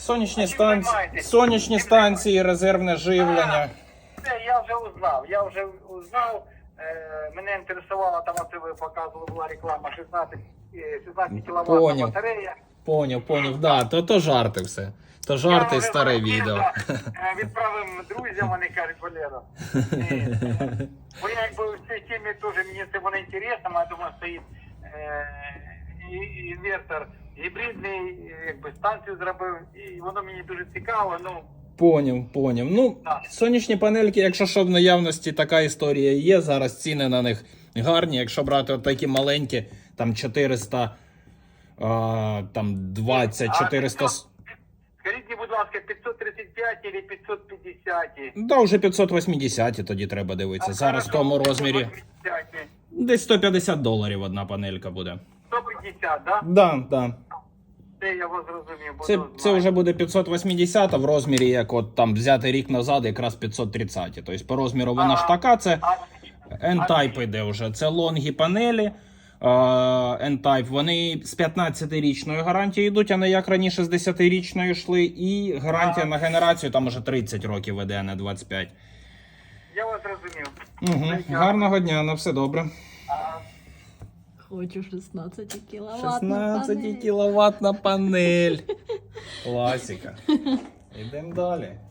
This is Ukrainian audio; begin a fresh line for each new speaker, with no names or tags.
сонячні станції, резервне живлення.
Це я вже узнав. Мене інтересувала, там оце ви показували, була реклама 16 кВт батарея.
Поняв, да, то жарти все. То жарти, старе відео.
Відправив друзям, вони кажуть, Валера. Бо я якби в цій темі теж, мені це воно інтересно, я думаю, стоїть інвертор гібридний, якби станцію зробив, і воно мені дуже цікаво,
Поняв. Ну, сонячні панельки, якщо що, в наявності така історія є, зараз ціни на них гарні. Якщо брати от такі маленькі, там 400, там 20, 400...
Скажіть мені, будь ласка, 535 чи 550?
Да, вже 580 тоді треба дивитися. Зараз в тому розмірі десь $150 одна панелька буде.
150, да?
Да.
Це я вас зрозумів.
Це вже буде 580 в розмірі, як от там взяти рік назад, якраз 530. Тобто по розміру вона ж така, це N-Type йде вже. Це лонгі панелі. N-Type, вони з 15-річною гарантією йдуть, а не як раніше з 10-річною йшли. І гарантія на генерацію там уже 30 років веде, а не 25.
Я вас зрозумів.
Гарного дня, на все добре.
Хочу 16 кВт.
16 кіловатна панель. Класика. Йдемо далі.